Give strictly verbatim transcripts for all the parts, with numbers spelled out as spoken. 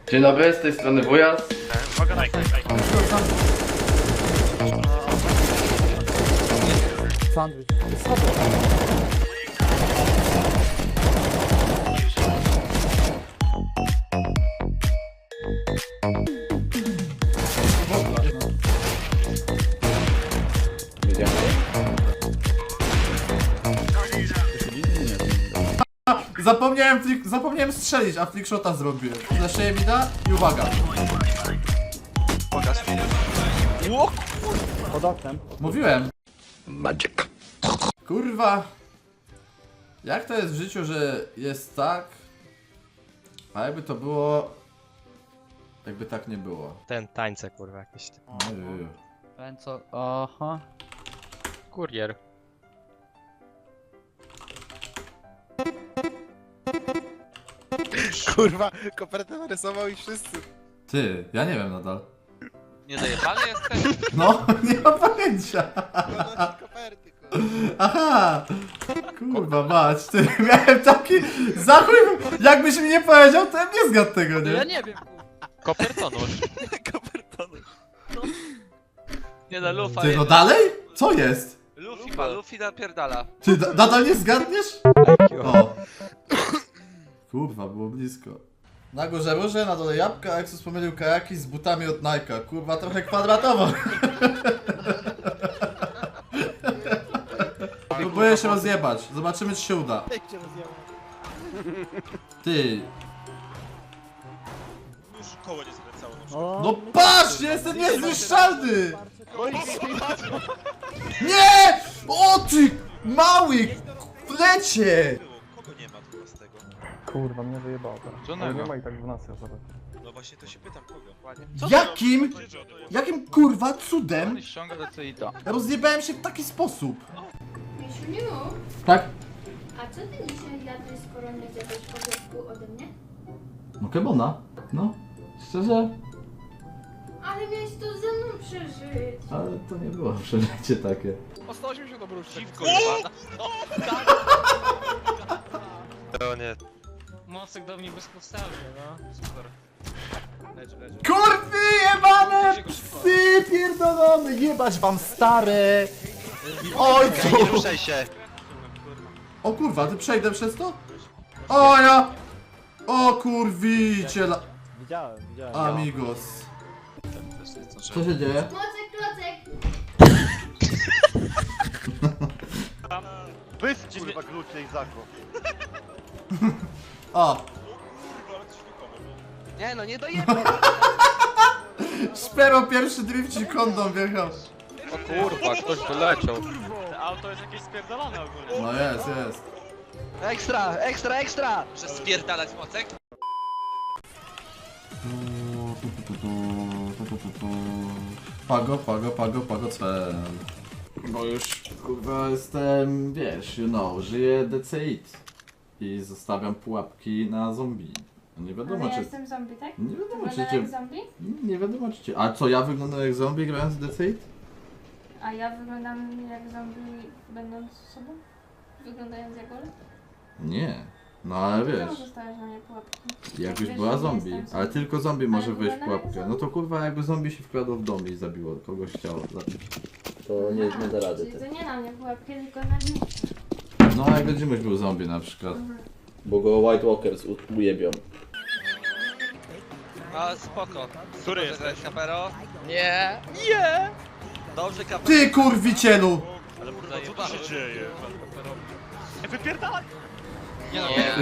Dzień dobry, z tej strony Wujas. Uwaga, Nike, Nike. Sandwich. Zapomniałem, flick, zapomniałem strzelić, a flickshota zrobiłem. Flasheję mi da i uwaga. Pokaż. Ło! Pod oknem. Mówiłem. Magic. Kurwa. Jak to jest w życiu, że jest tak, a jakby to było, jakby tak nie było. Ten tańce kurwa jakieś. Ojeju. Ten co? Aha. Kurier. Kurwa, kopertę narysował i wszyscy. Ty, ja nie wiem nadal. Nie zajebany jesteś? No, nie mam pojęcia. Koperty, kurwa. Aha! Kurwa mać, ty, miałem taki zachuj, jakbyś mi nie powiedział, to ja nie zgadł tego, Ja nie? nie wiem. Kopertonusz. Kopertony. Nie da lufa. Ty, no jeden. dalej? Co jest? Luffy ma, Luffy napierdala. Ty, da- nadal nie zgadniesz? O. Kurwa, było blisko. Na górze róże, na dole jabłka, a Exus pomylił kajaki z butami od Nike'a. Kurwa, trochę kwadratowo. Próbuję się rozjebać. Zobaczymy, czy się uda. Ty. Już koło nie skręcało. O, No patrz, jestem niezniszczalny! Nie! O ty! Mały! Lecie! Kogo nie ma tu z tego? kurwa, mnie wyjebało teraz. Co Ale nego? nie ma i tak dwunastej osoby. No właśnie to się pytam, kogo? Jakim? Jakim kurwa cudem Ściąga do C I T A. rozjebałem się w taki sposób? Misiuniu, Tak? a co ty dzisiaj jadłeś, skoro nie zjadłeś obiadku ode mnie? No kebona. No. Szczerze? Ale miałeś to ze mną przeżyć. Ale to nie było przeżycie takie. O sto osiemdziesiąt obróżek. To nie. Mocek do mnie bezpodstawnie, no. Super. Leży, leży. Kurwy jebane! Psy pierdolone! Jebać wam stare! Ojcu! Nie ruszaj się. O kurwa, ty przejdę przez to? O ja! O kurwicie la... Widziałem, widziałem. Amigos. Co się dzieje? Mocek, klocek! Wyjdź kurwa glucie i zako. O! Nie no, nie dojemy. Szpero pierwszy drifcik kondom wjechał. O kurwa, ktoś wyleciał. To auto jest jakieś spierdolone ogólnie. No jest, jest. Ekstra, ekstra, ekstra! Że spierdalać mocek? Pago, pago, pago, pago cel. Bo już kurwa jestem, wiesz, you know, żyję D C I T. I zostawiam pułapki na zombie. Nie wiadomo Ale ja czy... jestem zombie, tak? Nie wiadomo czy Wyglądam cię... jak zombie? Nie wiadomo czy cię... A co, ja wyglądam jak zombie grając w D C I T? A ja wyglądam jak zombie będąc sobą? Wyglądając jak Ole? Nie. No ale Czemu wiesz, zostawiasz na mnie pułapki? jakbyś wiesz, była że nie zombie, jestem ale zombie. tylko zombie może Ale wejść w wyglądam jak pułapkę. zombie. No to kurwa jakby zombie się wkradło w dom i zabiło kogoś chciało zabić. To nie, nie da rady. Czyli to nie na mnie pułapki, tylko na mnie. No jak będziemy był zombie na przykład. Bo go White Walkers u- ujebią. A spoko. Który Dobrze jesteś? grałeś, Kapero? Nie. Nie! Dobrze, Kapero. Ty kurwicielu! Ale kurwa, co tu się dzieje? Nie wypierdalaj! Nie no, Nie.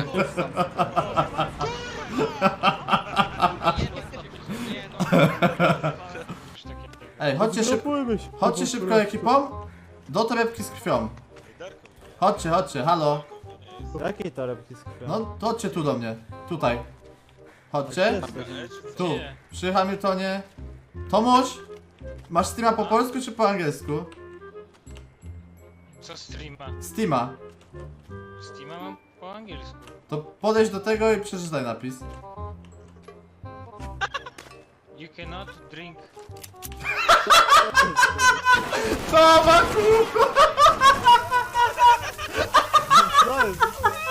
Ej, chodźcie, szyb... chodźcie szybko ekipą do torebki z krwią. Chodźcie, chodźcie, halo. Jakiej torebki z krwią? No to chodźcie tu do mnie. Tutaj. Chodźcie. Tu. Przy Hamiltonie. Tomuś! Masz Steama po polsku czy po angielsku? Co streama? Steama. Steama mam po angielsku. To podejdź do tego i przeczytaj napis. You cannot drink. Co ma kurwa? Co jest?